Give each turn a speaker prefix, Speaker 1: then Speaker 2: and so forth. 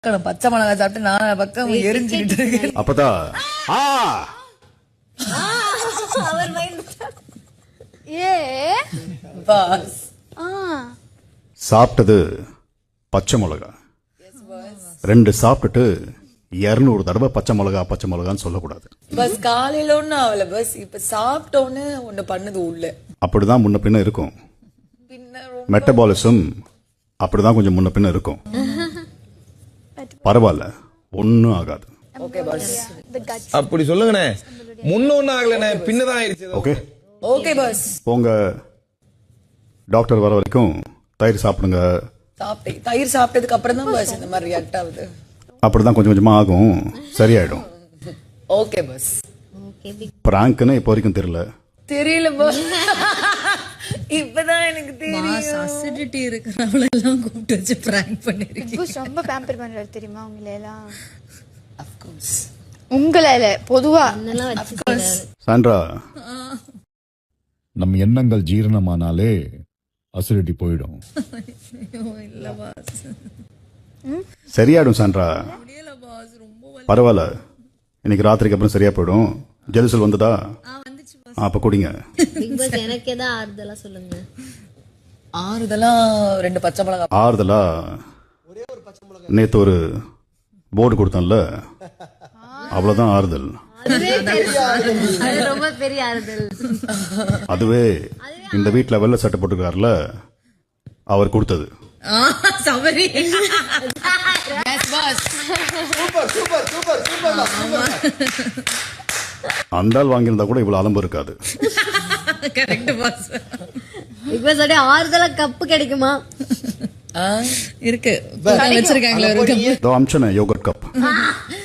Speaker 1: பச்சை மிளகாய் சாப்பிட்டு நான் பக்கம் எரிஞ்சுக்கிட்டு இருக்கேன்.
Speaker 2: அப்பதான்
Speaker 3: அவர் மைண்ட்
Speaker 4: ஏ
Speaker 1: பாஸ்
Speaker 2: சாப்பிட்டது பச்சை மிளகா. 2 சாப்பிட்டுட்டு 200 தடவை பச்சை மிளகான்னு சொல்லக்கூடாது.
Speaker 1: பஸ் காலையில ஒண்ணு ஆகல பஸ், இப்ப சாப்பிட்டோன்னு ஒண்ணு பண்ணுது உள்ள.
Speaker 2: அப்படிதான் முன்ன பின்ன இருக்கும்.
Speaker 1: பின்ன
Speaker 2: மெட்டபாலிசம் அப்படிதான் கொஞ்சம் முன்ன பின்ன இருக்கும். பரவாயில்ல, ஒன்னும் ஆகாது.
Speaker 1: Okay boss.
Speaker 5: அப்படி சொல்லுங்கண்ணே. முன்ன ஒன்னும் ஆகலண்ணே, பின்னதான் ஆயிடுச்சு.
Speaker 2: Okay
Speaker 1: okay boss.
Speaker 2: போங்க, டாக்டர் வர வரைக்கும் தயிர் சாப்பிடுங்க.
Speaker 1: தயிர் சாப்பிட்டதுக்கு அப்புறம் தான் பாஸ் இந்த மாதிரி ரியாக்ட் ஆகுது.
Speaker 2: அப்படிதான் கொஞ்சம் கொஞ்சமா ஆகும், சரியாயிடும்.
Speaker 1: Okay pass.
Speaker 2: பிராங்க்னு இப்போ வரைக்கும்
Speaker 1: தெரியல பாஸ். இப்பதான் எனக்கு தெரியும்.
Speaker 3: அசிடிட்டி இருக்கிறவள எல்லாம் கூப்பிட்டு வச்சு பிராங்க் பண்ணிருக்கீங்க.
Speaker 4: ரொம்ப பேம்பர் பண்றாரு தெரியுமா உங்களை எல்லாம்?
Speaker 1: Of course.
Speaker 4: உங்களை இல்ல, பொதுவா
Speaker 2: சாண்ட்ரா,
Speaker 6: நம் எண்ணங்கள் ஜீரணமானாலே அசிடிட்டி போயிடும்.
Speaker 3: இல்ல பாஸ்,
Speaker 2: சரியாயிடும் சாண்ட்ரா.
Speaker 3: முடியல பாஸ், ரொம்ப
Speaker 2: பரவாயில்ல, இன்னைக்கு ராத்திரிக்கு அப்புறம் சரியா போயிடும். ஜெலுசல் வந்ததா?
Speaker 3: வந்துச்சு பாஸ்.
Speaker 2: அப்ப குடிங்க.
Speaker 3: பிக் பாஸ் எனக்கு ஏதாவது ஆறுதலா சொல்லுங்க.
Speaker 1: ஆறுதலா 2 பச்சை மிளகாய்.
Speaker 2: ஆறுதலா நேத்து ஒரு போர்டு கொடுத்தோம்ல, அவ்வளவுதான் ஆறுதல்.
Speaker 3: அது ரொம்ப பெரிய ஆறுதல்.
Speaker 2: அதுவே இந்த வீட்டுல வெள்ளை சட்டை போட்டுருக்காருல, அவர் கொடுத்தது.
Speaker 3: சபரி
Speaker 2: அந்த ஆள் வாங்கியிருந்தா கூட இவ்வளவு அலம்பு இருக்காது.
Speaker 3: Correct pass.
Speaker 7: பிக் பாஸ் ஓட ஆறுதலா கப்பு கிடைக்குமா?
Speaker 3: இருக்கு வச்சிருக்காங்களே ஒரு கப்.
Speaker 2: அம்சன yoghurt cup.